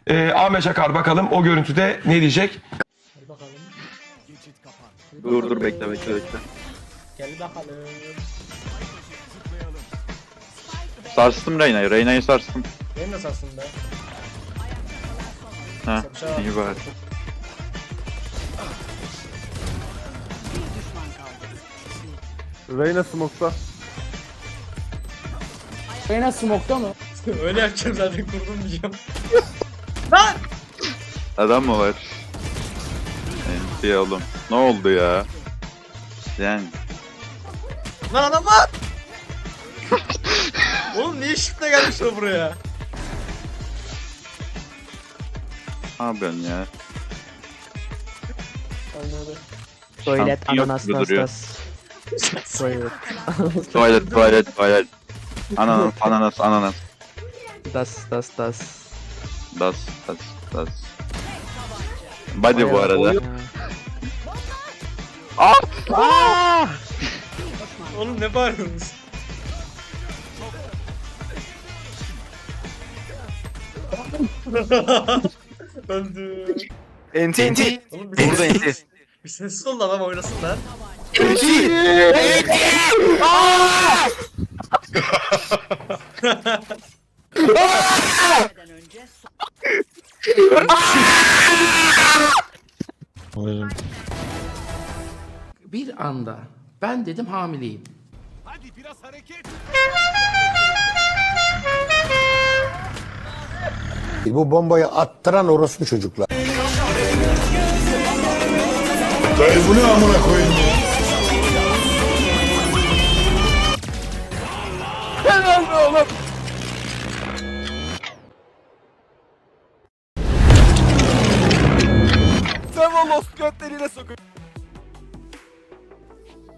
Ahmet Çakar bakalım o görüntüde ne diyecek? Gel bakalım. Dur bekle. Gel bakalım. Sarstım Reyna'yı. Reyna'yı sarstım. Benim nasıl aslında? Ha iyi bari. Reyna smoke'ta. Reyna smoke'ta mı? Öyle yapacağım zaten kurdum diyeceğim. Adam mı var? Oğlum. Ne oldu ya? Yani. Lan adam var! Oğlum niye shift'le gelmişler buraya? Ne yapıyorsun ya? Tuvalet Şampiyon ananas gibi nas duruyor. nas. Tuvalet. Tuvalet. Ananas. Das. Das. Body bu arada. Oğlum ne bağırıyorsunuz? Öldü. Enti. Oğlum Burada enti. bir sessiz ol adam oynasın lan. Bir anda ben dedim hamileyim. Bu bombayı attıran orospu çocuklar. Bu ne amına koyayım ya? Helal be oğlum. Sen o lost götleriyle sokun.